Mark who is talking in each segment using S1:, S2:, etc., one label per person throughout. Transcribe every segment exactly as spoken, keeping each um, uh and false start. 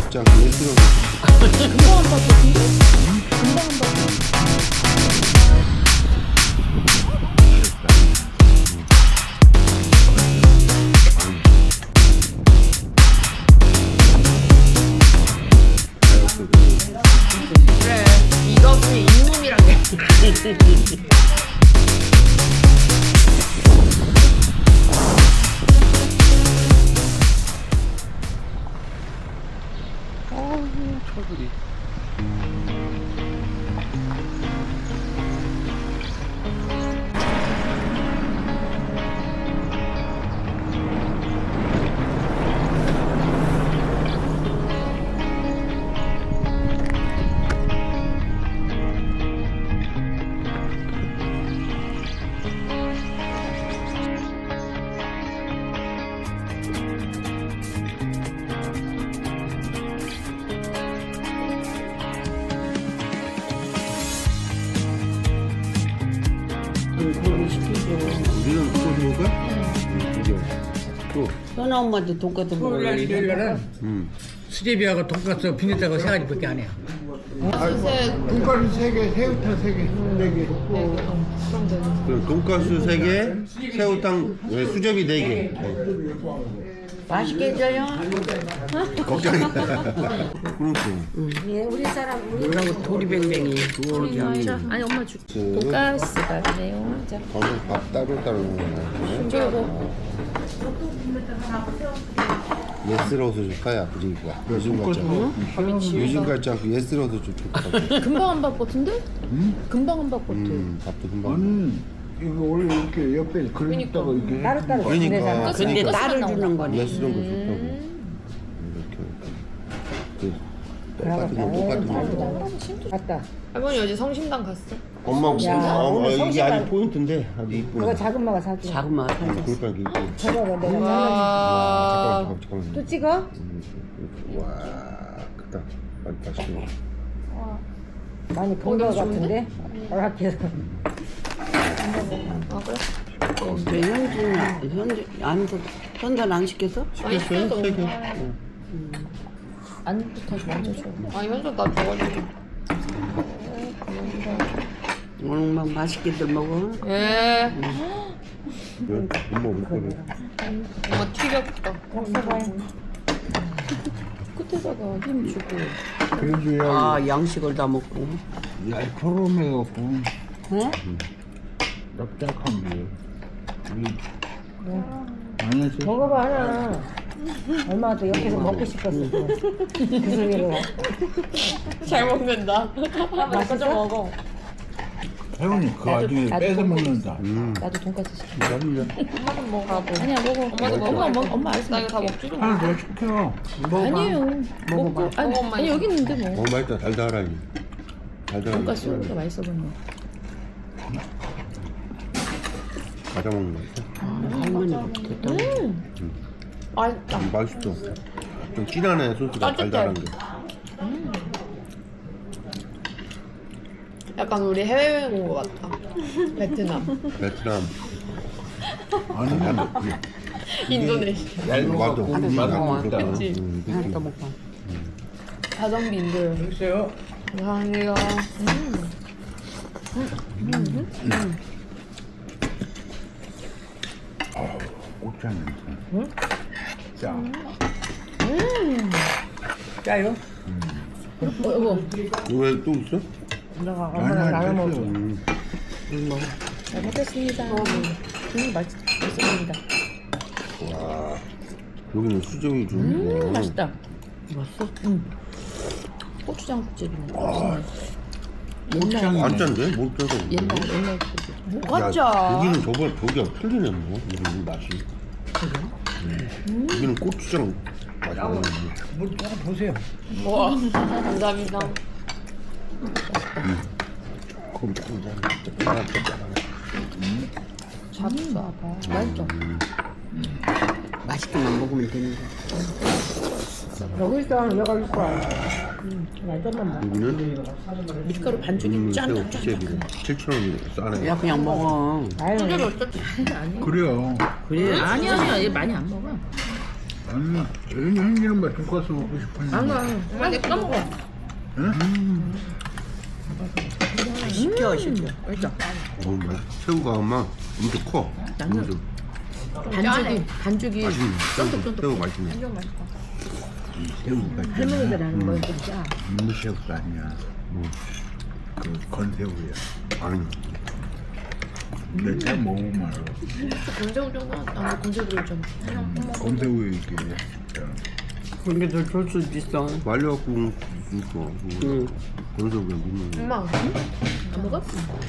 S1: 진짜 예스러워.
S2: 금방 한 번 같은데? 금방 한 번.
S3: 그래, 이것이 인문이란 게.
S1: 어우, 철들이. 우리는 또 먹을까? 응. 이제 또.
S4: 현아 엄마도 돈가스 먹을래.
S5: 토요일날은
S1: 음.
S5: 수제비하고 돈가스 비냈다고 세 가지밖에 안 해요.
S6: 돈가스 세 개, 새우탕 세 개, 네 개.
S1: 그럼 돈가스 세 개, 새우탕 네, 수제비 네 개.
S4: 맛있게 해줘요.
S1: 걱정이. 그렇죠.
S2: 예, 우리 사람 우리
S4: 뭐라고 도리뱅뱅이.
S2: 자, 아니 엄마 줄. 돈가스가 그래요. 자,
S1: 저는 밥 따로 따로 먹는 거예요.
S2: 저거
S1: 예스러워서 줄까요? 아버지 이거. 요즘 같지 않고. 요즘 같지 않고 예스러워서 좀 좋다.
S2: 금방 한 밥 같은데? 금방 한 밥 같아.
S1: 음, 밥도 금방.
S6: 아니 이거 원래 이렇게 옆에 그릇다가 이렇게
S2: 따로따로
S1: 그러니까.
S4: 근데
S1: 그러니까.
S4: 딸을 주는 거네.
S1: 예스러운 거 좋다고. 이렇게. 그 똑같은 거 똑같은 거.
S2: 맞다.
S3: 할머니 어제 성심당 갔어?
S1: 엄마 무슨 아, 어, 이게 아주 포인트인데 아주 이쁘네.
S2: 그거 작은 마가 사줘.
S4: 작은 맛.
S1: 음, 그러니까 이게 이쁘네.
S2: 저거 내가 잘라줄게.
S3: 와.
S1: 잠깐만 잠깐만.
S2: 또 찍어?
S1: 음, 와 크다. 많이 맛있게 먹어.
S2: 많이 본 거 같은데? 허락해서.
S3: 아 그래?
S4: 왜 현준, 현준, 안, 현준 안 시켰어?
S3: 아니 시켜도
S1: 세 개.
S2: 안부터 먼저 줘.
S3: 아니 현수 나 줘가지고.
S4: 오늘 막 맛있게들 먹어.
S3: 예.
S1: 왜? 엄마 올 거래.
S3: 엄마 튀겼다.
S2: 끝에다가 힘 주고.
S6: 그래도 야
S4: 아, 양식을 다 먹고.
S6: 얄포름해갖고
S4: 응?
S6: 납작한 게. 안 했어?
S2: 먹어봐 하나. 엄마가 또 옆에서 먹고 싶었어. 그 소리를.
S3: 잘 먹는다.
S2: 맛있어?
S3: 좀 먹어.
S6: 혜원이 그 와중에
S2: 나도
S6: 뺏어
S2: 먹고
S6: 먹는다.
S1: 음.
S2: 나도 돈까스 시켜.
S1: 맛있네.
S3: 엄마도 먹어라고.
S2: 아니야 먹어.
S3: 엄마도 먹어.
S2: 엄마 먹 엄마 알았어.
S3: 나 이거 다 먹지 좀.
S6: 하나 더 시켜.
S2: 아니에요. 먹고 아니,
S3: 먹어, 엄마.
S2: 아니 여기 있는데 뭐.
S1: 어 맛있다. 달달하니. 달달하니.
S2: 돈가스가 맛있어 보이네.
S1: 과자 먹는 거 있어?
S4: 할머니가 됐다.
S3: 맛있다.
S1: 음, 맛있어. 좀 진하네 소스가
S3: 따뜻해.
S1: 달달한 게.
S3: 약간 우리 해외여행 온 거 같다. 베트남,
S1: 베트남.
S6: 아니면
S3: 인도네시아,
S1: 와도
S4: 하나 더 먹어.
S3: 그치?
S1: 음,
S4: 하나
S1: 느낌.
S4: 더 먹어.
S3: 가성비 인도여행.
S6: 글쎄요.
S3: 감사합니다.
S6: 꽃장 냄새. 짜. 짜요?
S2: 어, 이거
S1: 왜 또 있어?
S2: 내가 엄마랑 나눠 먹어.
S1: 음.
S2: 잘 먹겠습니다. 음, 맛있, 맛있습니다.
S1: 와. 여기는 수정이 주는
S2: 음,
S1: 거.
S2: 맛있다.
S4: 맛있어?
S2: 고추장 국집이네. 맛있네.
S6: 꽃장이
S1: 안 짠데? 못 짜서.
S2: 옛날 옛날 국집.
S3: 뭐가
S1: 야,
S3: 짜?
S1: 여기는 저거 저기가 틀리네 뭐. 여기 맛이. 음. 여기는 고추장 맛이 나는데.
S6: 뭐 조금 보세요.
S3: 와, 감사합니다.
S1: 그럼 짠짠.
S2: 잡숴봐. 맛있죠?
S4: 맛있게만 먹으면 되는 거야.
S2: 여기 있어. 여기 있어. 음, 완전만 먹어.
S1: 여기는
S2: 밀가루 반죽이
S1: 음,
S2: 짠.
S1: 새우 수제비는 칠천 원이 싸네.
S4: 야, 그냥 먹어.
S2: 아유,
S3: 소주를 어쩌
S6: 그래요.
S4: 그래.
S2: 아니야, 아니야. 얘 많이 안 먹어.
S6: 아니, 여기 현지는 뭐 돈가스 먹고 싶은데.
S2: 아니 아니.
S3: 엄마 내 까먹어.
S4: 시켜 시켜.
S1: 어, 맛. 새우가 아마 엄청 커. 엄청
S2: 반죽이 반죽이
S1: 맛있네. 새우,
S2: 쫀득쫀득.
S1: 새우 맛있네.
S3: 완전 맛있다.
S6: 새우가
S2: 할머니들 하는 거 좀 짜.
S6: 민물새우가 아니야. 그 건새우야.
S1: 아니,
S6: 내가 먹으면 알아.
S3: 건새우 정도 나도 건새우 들어있잖아.
S6: 건새우 이게.
S4: 근데 더줄 수도 있어.
S1: 말려갖고 이거
S4: 응.
S1: 건서 그냥 먹는 거.
S3: 엄마 안 먹어?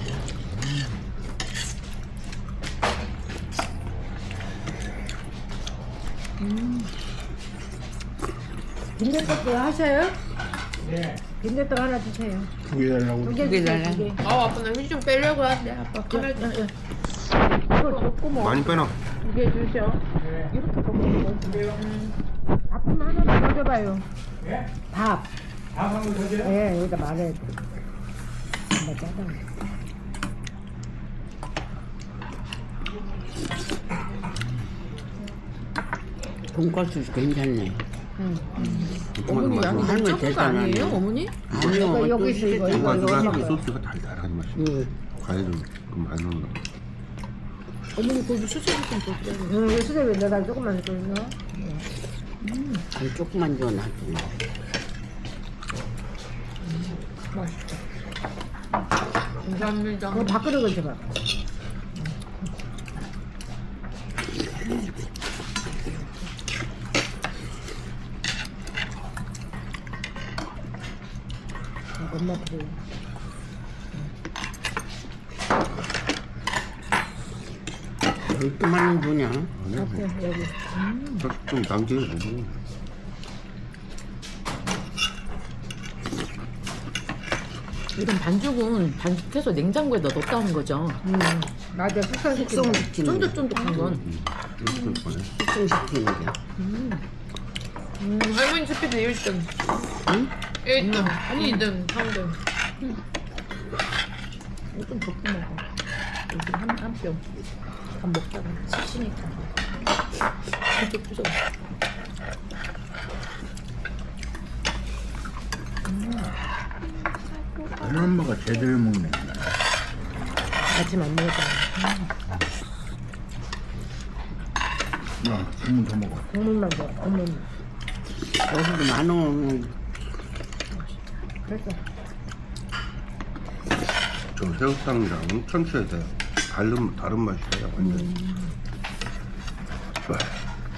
S2: 빈대떡도 하셔요? 네. 빈대떡 하나 주세요.
S6: 두 개 달라고.
S2: 두 개
S4: 두개
S2: 주세요.
S4: 달래.
S2: 두 개.
S3: 아 아빠 나 휴지 좀 빼려고 하는데 아빠 카메라 좀
S2: 이걸 줬고 뭐.
S1: 많이 빼놔.
S3: 두개 주셔.
S2: 이렇게 먹으면 되지. 밥좀 하나만 더 줘봐요. 밥.
S5: 밥 한 번 더 줘요?
S2: 예, 여기다 말해야 돼. 엄마 짜다.
S4: 돈가스 괜찮네.
S3: 어머니 양이 너무
S4: 할머니
S3: 작은 거
S4: 대단하네.
S3: 아니에요 어머니?
S4: 아니요.
S2: 이거 여기
S4: 또
S2: 있어, 이거,
S4: 시켰잖아.
S2: 이거.
S1: 가지고 소스가 달달하게 맛있어.
S4: 응.
S1: 과일은 좀 많이 넣는다.
S3: 어머니 거기 수제비 좀 줬대요.
S2: 응, 이거 수제비 내가 조금만 더 넣어.
S4: 아니, 조금만 줘 놔도.
S3: 감사합니다.
S2: 그거 밥그릇을 줘봐. 엄마 그래.
S4: 이렇게만 주냐?
S1: 아니야.
S2: 오케이, 여기.
S1: 좀 남기게 먹어.
S3: 이런 반죽은 반죽해서 냉장고에다 넣었다는 거죠.
S2: 음, 맞아. 숙성시키는 거.
S4: 숙성시키는 거.
S3: 쫀득쫀득한 건.
S1: 이렇게 거네.
S4: 숙성시키는 게.
S3: 음, 할머니 스피드 일 등.
S4: 응?
S3: 일 등, 이 등, 삼 등. 이거 좀 적게 먹어. 여기 한, 한 뼘. 밥 먹다가 지치니까. 이쪽 부서.
S6: 아는 엄마가 제대로 먹네.
S2: 아침 안 먹었잖아.
S6: 야, 국물 더 먹어.
S2: 국물만 줘, 국물.
S4: 여기도 만 원.
S2: 그랬어.
S1: 저 새우탕이랑 참치에 대 다른 다른 맛이야 완전. 와,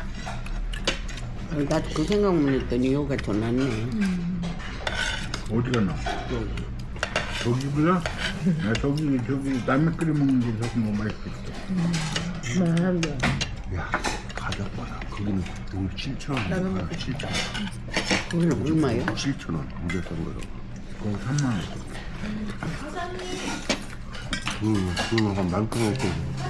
S4: 나도 그 생각만 했더니 여기가 더 낫네.
S6: 어디가 나? 저기보다? 나 저기, 저기, 남의 끓여 먹는 게 저기 뭐 맛있겠어.
S2: 그만한데.
S1: 야 가격 봐라. 거기는 오늘 칠천 원. 아, 칠천 원.
S4: 그건 얼마예요?
S1: 칠천 원. 이제 싼 거라고.
S6: 그거 삼만 원.
S1: 응, 그거 한 만큼 먹고.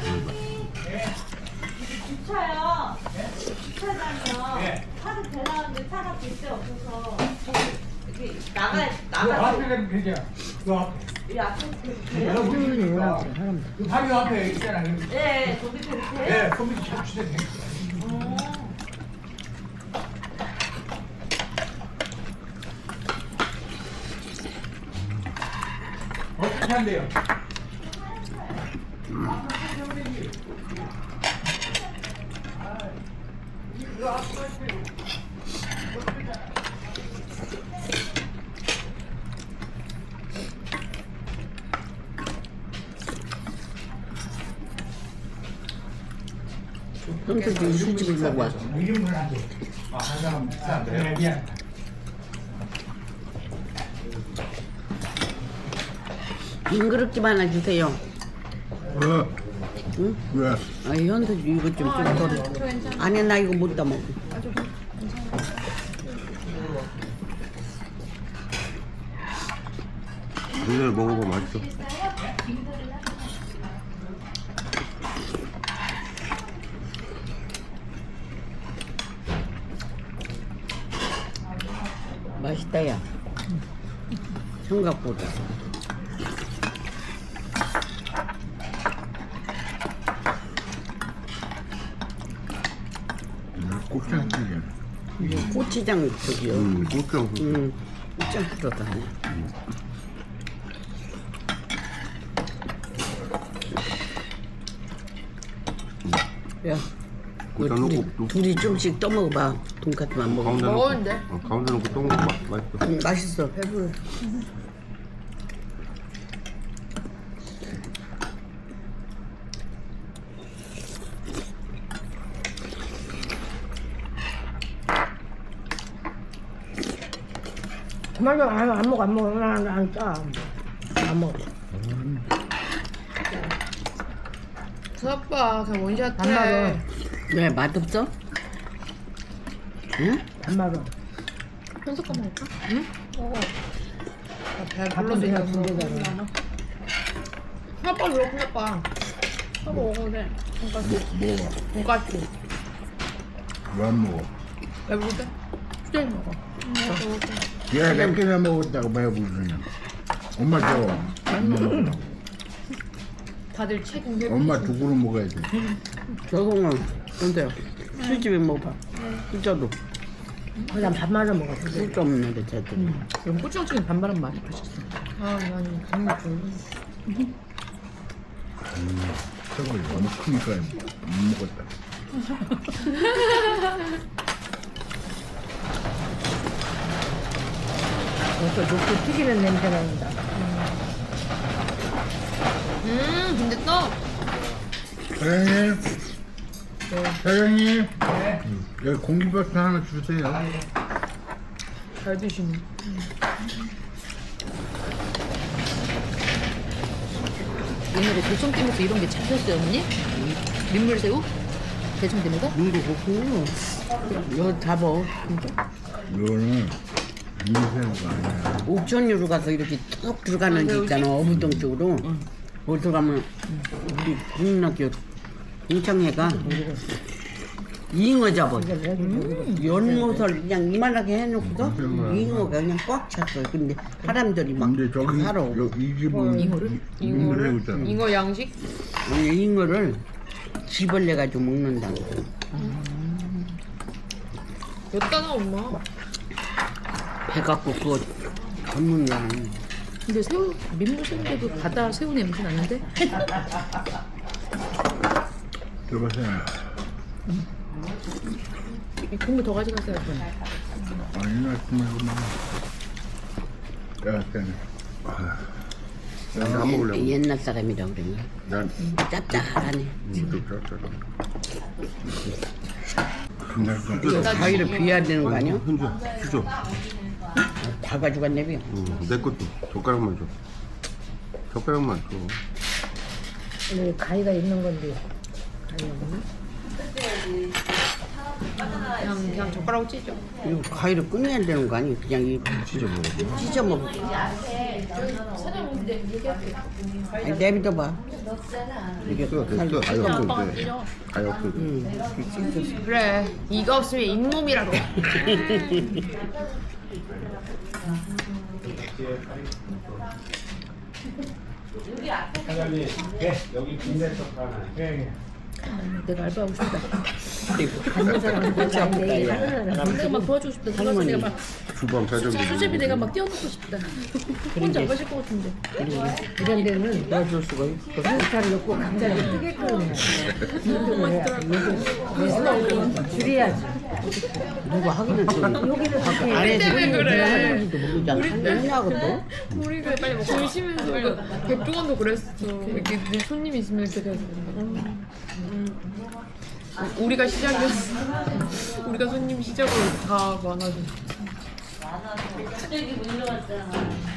S7: 주차요. 주차장이요. 차도 대나는데 차가 볼 데 없어서 이렇게 나가
S5: 그
S7: 나가
S5: 앞에 가면 되죠. 그 앞에.
S7: 이 앞에
S2: 수요일이 뭐라고 그래, 사람들.
S5: 그 바로 앞에 있잖아. 그
S7: 네 거기 이렇게
S5: 네, 컴퓨터 잡치대 돼. 어떻게 한대요?
S4: 형수도 술집을 먹고 왔어.
S5: 이름은 안 돼. 아, 한 사람 비싼데. 네, 미안.
S4: 빈 그릇집 하나 주세요.
S6: 왜?
S4: 응?
S6: 왜?
S4: 아, 현수 이거 좀 좀 덜어. 아니, 나 이거 못 다 먹어.
S1: 근데 먹어봐 맛있어.
S4: 맛있다, 야. 생각보다.
S6: 고추장 튀김.
S4: 이게 고추장 저기요.
S1: 음, 고추장.
S4: 음, 고추장 들어가네. 야, 그
S1: 고추장
S4: 둘이,
S1: 넣고 또
S4: 둘이 좀씩 떠먹어봐. 돈까스만 먹어.
S1: 가운데
S2: 먹었는데?
S1: 넣고. 어, 가운데 넣고 또 먹어. 맛- 맛있어.
S4: 음, 맛있어. 배불러.
S2: 그만 안, 안 먹어 안 먹어 안, 안 짜. 안 먹어.
S3: 아빠 그냥 원샷
S2: 안 맞아.
S4: 왜 맛없어? 응?
S2: 안 맞아.
S3: 현석거 먹을까? 응? 먹어. 배
S2: 밥은
S3: 불러서
S2: 그냥
S3: 있다.
S2: 군대잖아.
S3: 아빠 왜 그래 아빠? 아빠 먹어도 돼. 돈까스.
S6: 먹어봐.
S3: 돈까스.
S6: 왜 안 먹어?
S3: 배부를 때? 수제비 먹어.
S6: 얘 몇 개나 먹었다고 배부르냐? 엄마 줘. 엄마 먹으라고.
S3: 다들 책임 회복.
S6: 엄마 두 그릇 먹어야 돼.
S4: 저거는 근데 술집에 먹어봐. 진짜도
S2: 그냥 밥 말아 먹어.
S4: 술도 없는 데 쟤들.
S3: 그럼 고추장찌개 반반은 많이 맛있어. 아, 난 강력 좀.
S6: 저걸 너무 크니까 못 먹었다.
S2: 벌써 녹두 튀기는 냄새 난다.
S3: 음, 근데 또
S6: 사장님, 사장님, 여기 공기밥솥 하나 주세요.
S3: 잘 드시네. 오늘에 대청댐에서 이런 게 잡혔어요, 어머니? 민물새우? 대청댐에서?
S4: 눈도 좋고 여기 잡어.
S6: 이거는 민새우가 아니야.
S4: 옥천유로 가서 이렇게 뚝 들어가는 데 있잖아. 어부동 쪽으로. 거기서 가면 우리 국민학교 공창회가 잉어 잡아. 연못을 그냥 이만하게 해놓고서 잉어가 그냥 꽉 찼어. 근데 사람들이 막
S6: 근데 저기
S4: 사러.
S6: 여- 이 집은
S3: 잉어를?
S6: 민새우잖아.
S3: 잉어 양식?
S4: 아니, 잉어를 집을 내가지고 먹는다고.
S3: 였다나 엄마.
S4: 배 갖고 그거 전문이야.
S3: 근데 새우 민물새우인데도 바다 새우 냄새 나는데?
S6: 들어보세요.
S3: 이 국물 더 가져가세요. 그럼.
S6: 아니, 나 정말 그만. 야, 쟤네.
S1: 난안 먹으려고.
S4: 옛날 사람이라고 그러네.
S1: 난
S4: 짭짤하네.
S1: 진짜 짭짤해.
S6: 근데
S4: 가위를 비워야 되는 거 아니야?
S1: 현주야, 주죠.
S4: 다 가져갔네, 비.
S1: 응, 내 것도 젓가락만 줘. 젓가락만 줘.
S2: 여기 가위가 있는 건데. 가위 없나?
S3: 그냥 그냥 젓가락으로 찢어.
S4: 이거 가위를 끊어야 되는 거 아니야? 그냥 이
S1: 진짜 먹어.
S4: 찢어 먹어. 아니, 내비둬봐. 이게
S1: 됐어, 됐어. 아예 없어, 이제. 아예 없어. 이제.
S3: 그래. 이가 없으면 잇몸이라고.
S5: 사장님, 예, 여기 빈대떡 하나. 예, 예.
S3: 내가 알바하고 싶다.
S2: 하는 사람은 그렇지 않은데 하는 사람은
S3: 내가 막 도와주고 싶다. 들어가서 내가 막
S1: 주방 사정비.
S3: 수제비 내가 막 띄워놓고 싶다. 혼자 안 가실 것 같은데.
S2: 이런 데는
S4: 넣어줄 수가 있어.
S2: 한스타를 넣고 각자를 뜨게끔 해야 돼. 줄여야지.
S4: 누가 하기는 좀.
S2: 여기는 그렇게
S4: 안에서
S3: 때문에 그래.
S4: 하는지도 모르지 않아? 했냐고 또?
S3: 우리가 빨리 먹고 조심해서 백종원도 그랬어. 이렇게 늘 손님이 있으면 이렇게 돼서. 우리가 시작이었어. 우리가 손님 시작으로 다 많아져.
S7: 갑자기 문 열어왔잖아.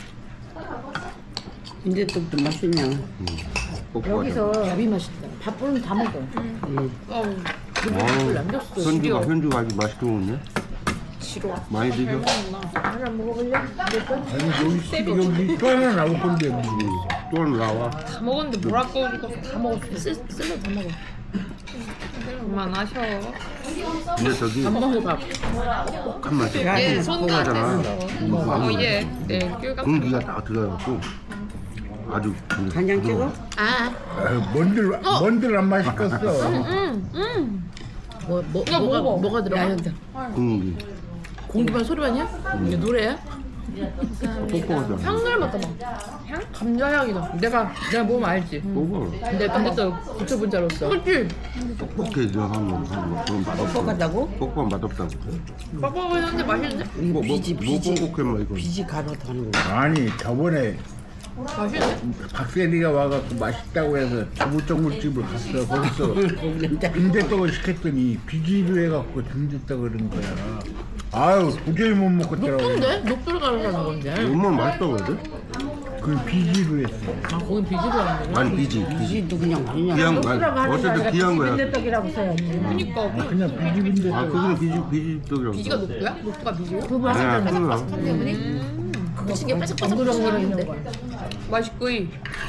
S4: 근데 또 또 맛있냐?
S1: 꼭
S2: 여기서
S3: 밥이 맛있다.
S2: 밥은 다 먹어.
S3: 어우,
S1: 아우,
S3: 남겼어.
S1: 현주가,
S3: 지려.
S1: 현주가 아주 맛있게 먹네.
S3: 지려.
S1: 많이 드셔.
S2: 하나 먹어볼래?
S6: 아니, 여기, 여기 또 하나 나올 건데. 뭐.
S1: 또 하나 나와.
S3: 다 먹었는데 뭐라 꺼주고 다 먹었어. 쓸, 쓸려 다 먹어. 그만하셔.
S1: 근데 저기
S3: 안 먹어 밥.
S1: 한 마디.
S3: 얘 손도 안
S1: 뽕하잖아.
S3: 뗐어. 어, 얘. 네, 귤 같은
S1: 공기가 딱 들어가고 아주 그
S4: 간장 찍어?
S3: 아,
S6: 아, 뭔들, 뭔들 안 맛있겠어.
S3: 응, 응. 뭐, 뭐,
S2: 야,
S3: 뭐가,
S2: 먹어.
S3: 뭐가 들어가?
S1: 공기.
S3: 공기반 소리반이야? 이게 노래야?
S1: 뽀뽀하자.
S2: 향 닮았다 막. 향? 감자 향이다. 내가 내가 먹으면 알지.
S1: 뽀뽀.
S2: 근데 근데 또 붙여본 자로서. 그렇지.
S1: 뻑뻑해 저 한번 한번 그럼 맛없어.
S4: 뻑뻑하다고?
S1: 뻑뻑 맛없다고.
S2: 뻑뻑한데 맛있는데?
S4: 이거
S1: 뭐,
S4: 비지
S1: 뭐,
S4: 비지
S1: 뭐 뻑뻑해 뭐 이거.
S4: 비지 가루 타는 거.
S6: 아니 저번에
S2: 맛있는데?
S6: 박세리가 와갖고 맛있다고 해서 두부정글집을 갔어. 거기서 빈대떡을 시켰더니 비지로 해갖고 빈대떡 그런 거야. 아유 도저히 못 먹겠더라고.
S2: 녹두인데? 녹두를 가루라는 건데.
S1: 얼마나 맛있다고 해야 돼?
S6: 그 비지로 했어.
S2: 아 거긴 비지로 하는 거야?
S1: 아니 비지 비지.
S4: 비지도 그냥 그냥
S1: 귀한 거 아니 어쨌든 귀한 거야.
S2: 빈대떡이라고 써야지. 그니까 그
S6: 그냥 비지 빈대떡.
S1: 아 그거는 비지 비지떡이라고.
S2: 비지가 녹두야? 녹두가 비지야?
S1: 그 아니야 그거야.
S3: 그거 신기해 바삭바삭
S2: 엉그렁거려 있는 거야. 맛있고 이.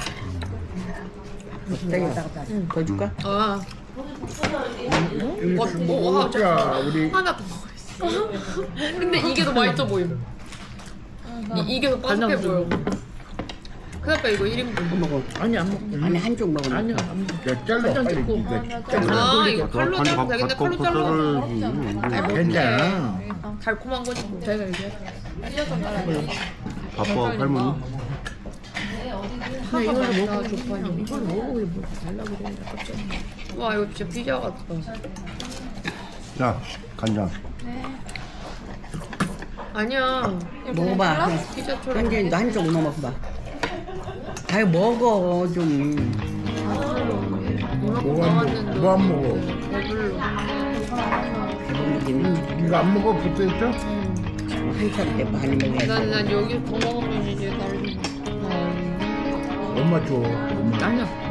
S4: 더 줄까?
S2: 아
S6: 이거
S2: 뭐, 와,
S6: 먹자 우리.
S2: 하나 더 먹었어. 근데 이게 더 맛있어 보임. 이, 이게 더 바삭해 보여. 그러니까 이거 일 인분.
S4: 먹어.
S2: 아니 안 먹어.
S4: 아니 한쪽 먹어.
S2: 아니야 안 먹어.
S6: 야 잘라
S2: 한잔
S6: 빨리
S2: 찍고.
S6: 네가.
S2: 아 이거 칼로 자르면 되겠네. 칼로 자르면
S6: 괜찮아.
S2: 달콤한 거지 뭐. 제가 이제
S1: 바빠 할머니.
S2: 근데 이걸로 먹고 좋아. 이걸 먹고 뭐 달라고 그래. 와 이거 진짜 피자 같다.
S1: 자 간장.
S2: 아니야.
S4: 먹어봐.
S2: 피자처럼.
S4: 현진이도 한쪽 먹어봐. 아이 먹어 좀.
S2: 나왔는데.
S6: 뭐 안 먹어?
S2: 배불러.
S4: 배부르기는
S6: 이거 안 먹어 붙어있어?
S4: 한참 때 많이 먹어야지.
S2: 난, 난 여기 더 먹으면 이제 다른.
S6: 엄마 줘. 엄마.
S2: 아니야.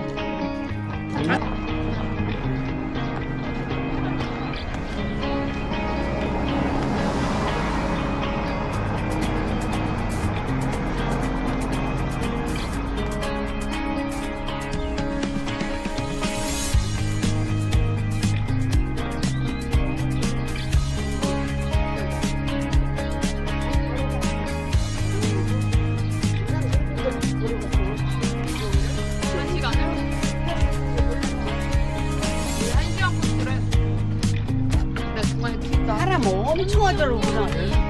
S4: 사람 엄청 하더라고 그냥.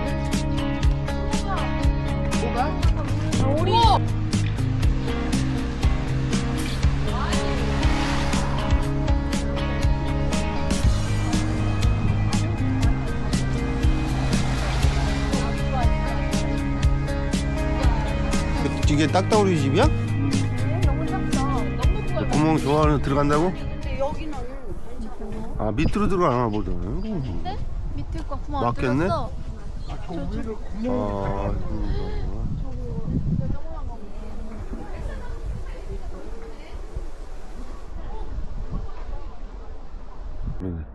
S1: 이게 딱따구리 집이야?
S7: 너무 작다. 너무 커요.
S1: 구멍 좋아하는 들어간다고?
S7: 근데 여기는
S1: 아 밑으로 들어가나 보다.
S7: 밑에 거 구멍 안
S1: 맞겠네?
S7: 뚫렸어.
S1: 아 그런가. 그러네.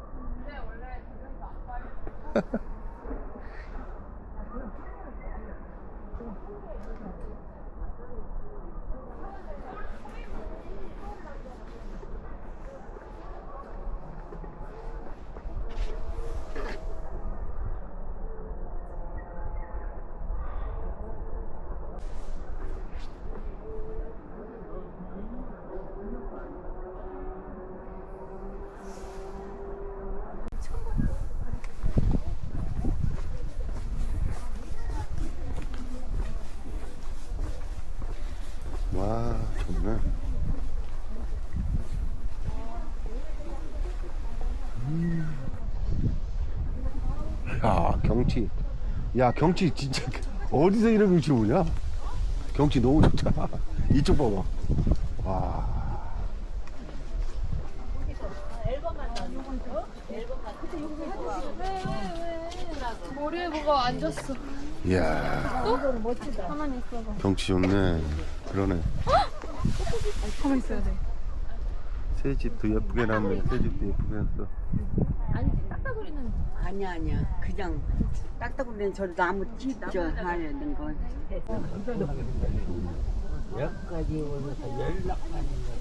S1: 와 좋네. 음. 야 경치. 야 경치 진짜 어디서 이런 경치 보냐? 경치 너무 좋다. 이쪽 봐봐. 와.
S7: 머리에 뭐가 앉았어.
S1: 이야
S7: 가만히 있어봐.
S1: 경치 좋네. 그러네.
S7: 가만히 있어야 돼.
S1: 새 집도 예쁘게 놨네. 새 집도 예쁘게 놨어.
S4: 아니야 아니야 그냥 딱딱거리는 저 나무 찢어 하야 되는 거. 여기까지 오면서 연락하는 거.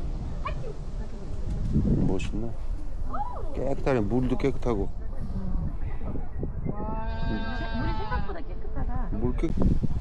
S1: 멋있네. 깨끗하네. 물도 깨끗하고.
S3: 물이 생각보다 깨끗하다.
S1: 물 깨.